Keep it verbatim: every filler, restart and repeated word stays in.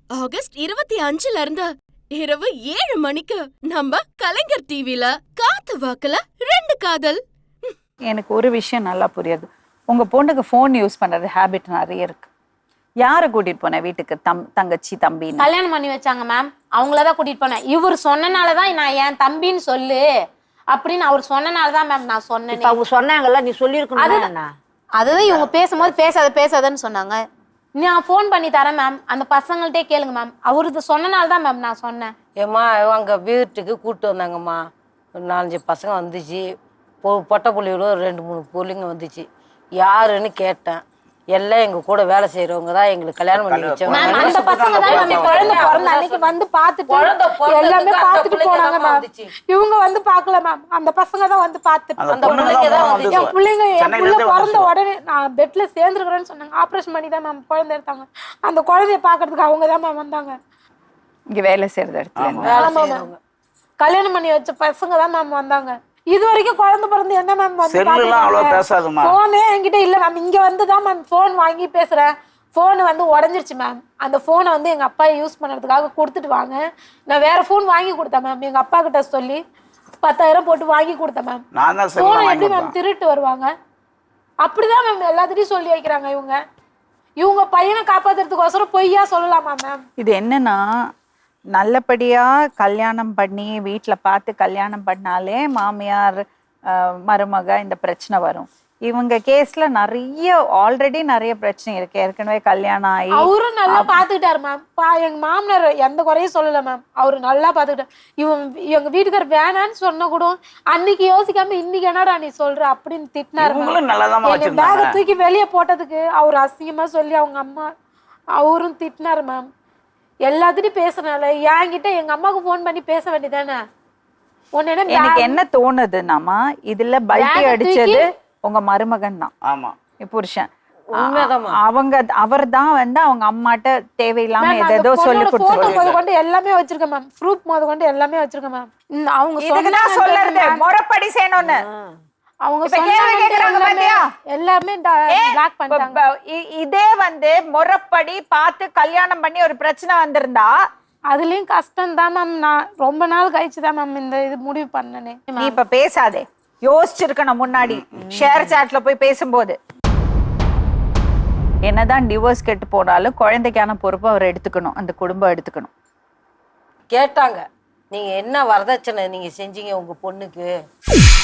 August இருபத்தி அஞ்சுல இருந்து இரவு ஏழு மணிக்கு நம்ம கலைஞர் டிவில காத்து வாக்குல ரெண்டு காதல். எனக்கு ஒரு விஷயம் நல்லா புரியுது. உங்க பொண்ணுக்கு போன் யூஸ் பண்றது ஹேபிட் நிறைய இருக்கு. யாரை கூட்டிட்டு போன வீட்டுக்கு? தம் தங்கச்சி தம்பி கல்யாணம் பண்ணி வச்சாங்க மேம், அவங்களதான் கூட்டிட்டு போனேன். இவர் சொன்னனாலதான் நான் என் தம்பின்னு சொல்லு அப்படின்னு அவர் சொன்னனாலதான் மேம் நான் சொன்னேன். அவங்க சொன்னாங்கல்ல, நீ சொல்லிருக்கணும். அதுதான் இவங்க பேசும்போது பேசாத பேசாதன்னு சொன்னாங்க. நான் ஃபோன் பண்ணி தரேன் மேம், அந்த பசங்கள்ட்டே கேளுங்க மேம், அவரு சொன்னனாலதான் மேம் நான் சொன்னேன். ஏம்மா அங்கே வீட்டுக்கு கூப்பிட்டு வந்தாங்கம்மா, ஒரு நாலஞ்சு பசங்க வந்துச்சு, பொ பொட்டை புள்ளியோட ரெண்டு மூணு பிள்ளைங்க வந்துச்சு. யாருன்னு கேட்டேன். எல்லாம் எங்க கூட வேலை செய்யறவங்க தான் எங்களுக்கு கல்யாணம் பண்ணி வச்சவங்க. அந்த பசங்க தான் நம்ம குழந்தை பிறந்த அன்னைக்கு வந்து பார்த்துட்டு எல்லாமே பார்த்துட்டு போனாங்க மேம். இவங்க வந்து பார்க்கல மேம், அந்த பசங்க தான் வந்து பார்த்துட்டு அந்த பிள்ளைங்க தான் வந்து என் பிள்ளைங்க என் பிள்ளை பிறந்த உடனே நான் பெட்ல சேர்ந்துருக்கிறேன்னு சொன்னாங்க. ஆப்ரேஷன் பண்ணி தான் மேம் குழந்தை எடுத்தாங்க. அந்த குழந்தைய பாக்குறதுக்கு அவங்க தான் மேம் வந்தாங்க. இங்க வேலை செய்யறது இடத்துல கல்யாணம் பண்ணி வச்ச பசங்க தான் மேம் வந்தாங்க. இது வரைக்கும் குழந்தை பிறந்து என்ன மேம் வந்து போனே என்கிட்ட இல்ல மேம். இங்க வந்துதான் மேம் போன் வாங்கி பேசுறேன். போன் வந்து உடஞ்சிருச்சு மேம். அந்த போனை வந்து எங்க அப்பா யூஸ் பண்றதுக்காக கொடுத்துட்டு வாங்க, நான் வேற போன் வாங்கி கொடுத்தேன் மேம். எங்க அப்பா கிட்ட சொல்லி பத்தாயிரம் போட்டு வாங்கி கொடுத்தேன் மேம். போனை எப்படி மேம் திருட்டு வருவாங்க? அப்படிதான் மேம் எல்லாத்திட்டையும் சொல்லி வைக்கிறாங்க இவங்க. இவங்க பையனை காப்பாத்துறதுக்கோசரம் பொய்யா சொல்லலாமா மேம்? இது என்னன்னா, நல்லபடியா கல்யாணம் பண்ணி வீட்டில் பார்த்து கல்யாணம் பண்ணாலே மாமியார் மருமக இந்த பிரச்சனை வரும். இவங்க கேஸ்ல நிறைய ஆல்ரெடி நிறைய பிரச்சனை இருக்கு. ஏற்கனவே கல்யாணம் ஆகி அவரும் நல்லா பாத்துக்கிட்டாரு மேம். எங்க மாமனார் எந்த குறையும் சொல்லல மேம், அவரு நல்லா பாத்துக்கிட்டாரு. இவங்க எங்க வீட்டுக்கார் வேணான்னு சொன்ன கூட அன்னைக்கு யோசிக்காம இன்னைக்கு என்னடா நீ சொல்ற அப்படின்னு திட்டினாரு. பேக தூக்கி வெளியே போட்டதுக்கு அவர் அசிங்கமா சொல்லி அவங்க அம்மா அவரும் திட்டினாரு மேம். எல்லாத்திட்டையும் பேசுறனால என்கிட்ட எங்க அம்மாவுக்கு போன் பண்ணி பேச வேண்டியதானே? எனக்கு என்ன தோணுதுன்னாமா, இதுல பல்டி அடிச்சது உங்க மருமகன் தான். ஆமா, புருஷன். அவங்க அவர் தான் வந்து அவங்க அம்மாட்ட தேவையில்லாம ஏதோ சொல்லி கொடுத்து எல்லாமே வச்சிருக்கேன் மேம். ப்ரூஃப் முத கொண்டு எல்லாமே வச்சிருக்கேன் மேம். அவங்க சொல்றது முறைப்படி செய்யணும்னு அவங்க எல்லாமே பிளாக் பண்ணிட்டாங்க. இதே வந்து முறைப்படி பார்த்து கல்யாணம் பண்ணி ஒரு பிரச்சனை வந்திருந்தா அதுலயும் கஷ்டம் தான் மேம். நான் ரொம்ப நாள் கழிச்சுதான் மேம் இந்த இது முடிவு பண்ணனே. நீ இப்ப பேசாதே, யோசிச்சிருக்கணும் முன்னாடி. ஷேர் சாட்ல போய் பேசும்போது என்னதான் டிவோர்ஸ் கெட்டு போனாலும் குழந்தைக்கான பொறுப்பு அவர் எடுத்துக்கணும், அந்த குடும்பம் எடுத்துக்கணும். கேட்டாங்க, நீங்க என்ன வரதட்சணை நீங்க செஞ்சீங்க உங்க பொண்ணுக்கு?